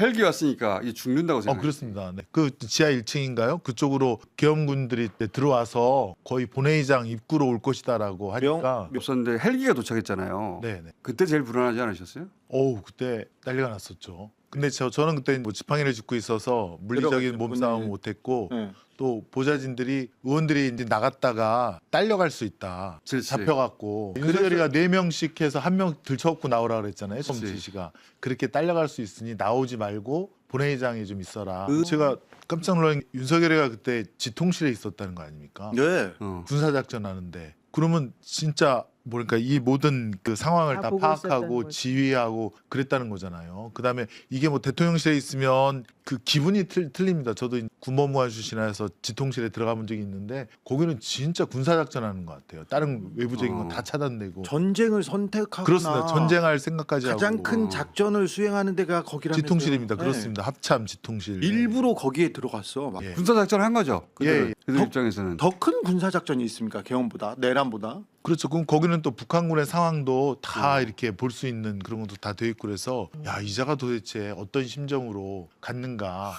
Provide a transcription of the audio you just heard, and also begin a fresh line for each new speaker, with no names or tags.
헬기 왔으니까 이제 죽는다고 생각해요.
그렇습니다. 네. 그 지하 1층인가요? 그쪽으로 계엄군들이 들어와서 거의 본회의장 입구로 올 것이다라고 하니까
없었는데 헬기가 도착했잖아요.
네네.
그때 제일 불안하지 않으셨어요?
그때 난리가 났었죠. 근데 저는 그때 뭐 지팡이를 짚고 있어서 물리적인 몸싸움 못했고
네.
또 보좌진들이 의원들이 이제 나갔다가 딸려갈 수 있다.
그렇지.
잡혀갖고 윤석열이가 4명씩 해서 1명 들쳐갖고 나오라 그랬잖아요.
그렇지.
지시가 그렇게 딸려갈 수 있으니 나오지 말고 본회의장에 좀 있어라.
그-
제가 깜짝 놀란 게 윤석열이가 그때 지통실에 있었다는 거 아닙니까?
네.
군사작전 하는데 그러면 진짜 뭐랄까 이 모든 그 상황을
다
다
보고 있었다는
파악하고
거지.
지휘하고 그랬다는 거잖아요. 그다음에 이게 뭐 대통령실에 있으면 그 기분이 틀립니다. 저도 군법무관 출신이라서 지통실에 들어가 본 적이 있는데 거기는 진짜 군사작전하는 것 같아요. 다른 외부적인 건 다 차단되고
전쟁을 선택하거나
그렇습니다. 전쟁할 생각까지
가장
하고
큰 작전을 수행하는 데가 거기라면서요.
지통실입니다.
네.
그렇습니다. 합참 지통실.
일부러 거기에 들어갔어. 막.
예.
군사 작전을 한 거죠. 그들,
예.
그들 입장에서는.
더 큰 군사 작전이 있습니까? 개헌보다 내란보다.
그렇죠. 그럼 거기는 또 북한군의 상황도 다 이렇게 볼 수 있는 그런 것도 다 돼 있고 그래서 야 이자가 도대체 어떤 심정으로 갔는가